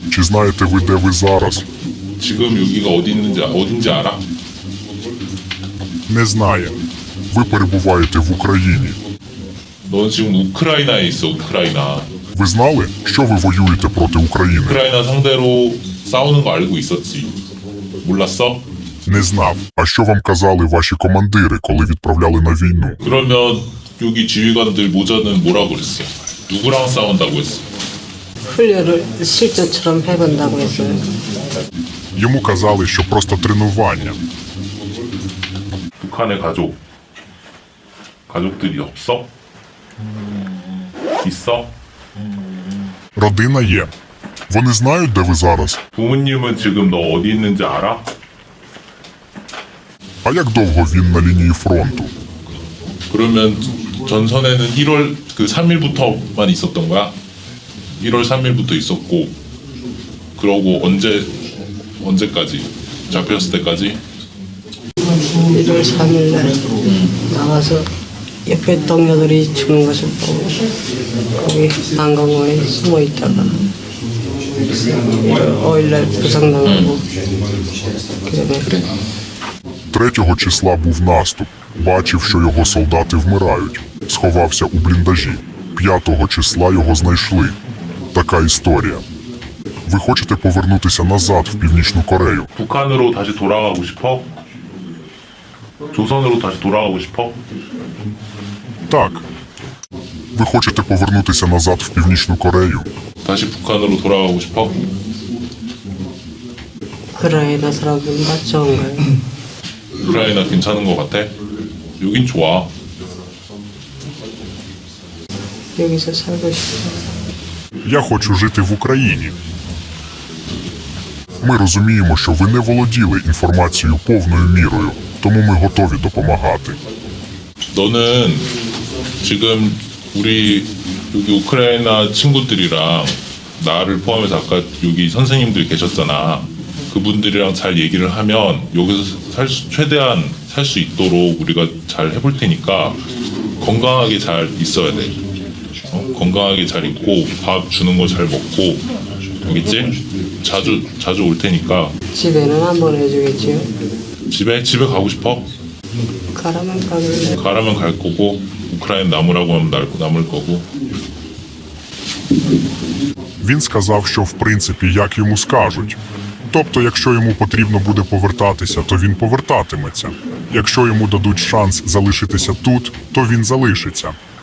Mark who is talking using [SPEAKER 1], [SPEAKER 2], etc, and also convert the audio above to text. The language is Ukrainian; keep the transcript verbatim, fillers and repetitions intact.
[SPEAKER 1] Чи знаєте ви, де ви зараз?
[SPEAKER 2] 지금 여기가 어디 있는지 어딘지 알아?
[SPEAKER 1] Не знає. Ви перебуваєте в Україні.
[SPEAKER 2] 넌 지금 우크라이나에 있어. 우크라이나.
[SPEAKER 1] Ви знали, що ви воюєте проти України?
[SPEAKER 2] 우크라이나 상대로 싸우는 거 알고 있었지. 몰랐어?
[SPEAKER 1] Не знав. А що вам казали ваші командири, коли відправляли на війну?
[SPEAKER 2] 그러면 여기 지휘관들 모자는 뭐라고 그랬어? 누구랑 싸운다고 했어?
[SPEAKER 3] 훈련을 실전처럼 해본다고 했어요.
[SPEAKER 1] Йому казали, що просто тренування.
[SPEAKER 2] 북한의 가족. 가족들이 없어? 있어?
[SPEAKER 1] Родина є. Вони знають, де ви зараз?
[SPEAKER 2] 부모님은 지금 너 어디 있는지 알아?
[SPEAKER 1] А як довго він на лінії фронту?
[SPEAKER 2] 그러면 전선에는 일월 그 삼 일부터만 있었던 거야? 일월 삼 일부터 있었고 그러고 언제 언제까지? 잡혔을 때까지?
[SPEAKER 3] 일월 삼 일 날 나가서 옆에 동료들이 죽는 것을 보고 거기 한강공원에 숨어 있다가 일월 오 일 날 부상당하고 그다음에
[SPEAKER 1] Третього числа був наступ. Бачив, що його солдати вмирають. Сховався у бліндажі. П'ятого числа його знайшли. Така історія. Ви хочете повернутися назад в Північну Корею?
[SPEAKER 2] 북한으로 다시 돌아가고 싶어? 조선으로 다시 돌아가고 싶어?
[SPEAKER 1] Так. Ви хочете повернутися назад в Північну Корею?
[SPEAKER 2] 다시 북한으로 돌아가고 싶어?
[SPEAKER 3] 우크라이나 사람들 맞 좋은가요?
[SPEAKER 2] 우크라이나 괜찮은 것 같아? 여긴 좋아.
[SPEAKER 3] 여기서 살고 싶어요.
[SPEAKER 1] Я хочу жити в Україні. Ми розуміємо, що ви не володіли інформацією повною мірою, тому ми готові допомагати.
[SPEAKER 2] 너는 지금 우리 여기 우크라이나 친구들이랑 나를 포함해서 아까 여기 선생님들이 계셨잖아. 그분들이랑 잘 얘기를 하면 여기서 살 수, 최대한 살 수 있도록 우리가 잘 해볼 테니까 건강하게 잘 있어야 돼. 어? 건강하게 잘 있고 밥 주는 거 잘 먹고 알겠지? 자주 자주 올 테니까.
[SPEAKER 3] 집에는 한 번 해주겠지요?
[SPEAKER 2] 집에 집에 가고 싶어?
[SPEAKER 3] 가라면 가길래
[SPEAKER 2] 가라면 갈 거고 우크라이나 남으라고 하면 남- 남을 거고.
[SPEAKER 1] Він сказав, що в принципі як йому скажуть. Тобто, якщо йому потрібно буде повертатися, то він повертатиметься. Якщо йому дадуть шанс залишитися тут, то він залишиться.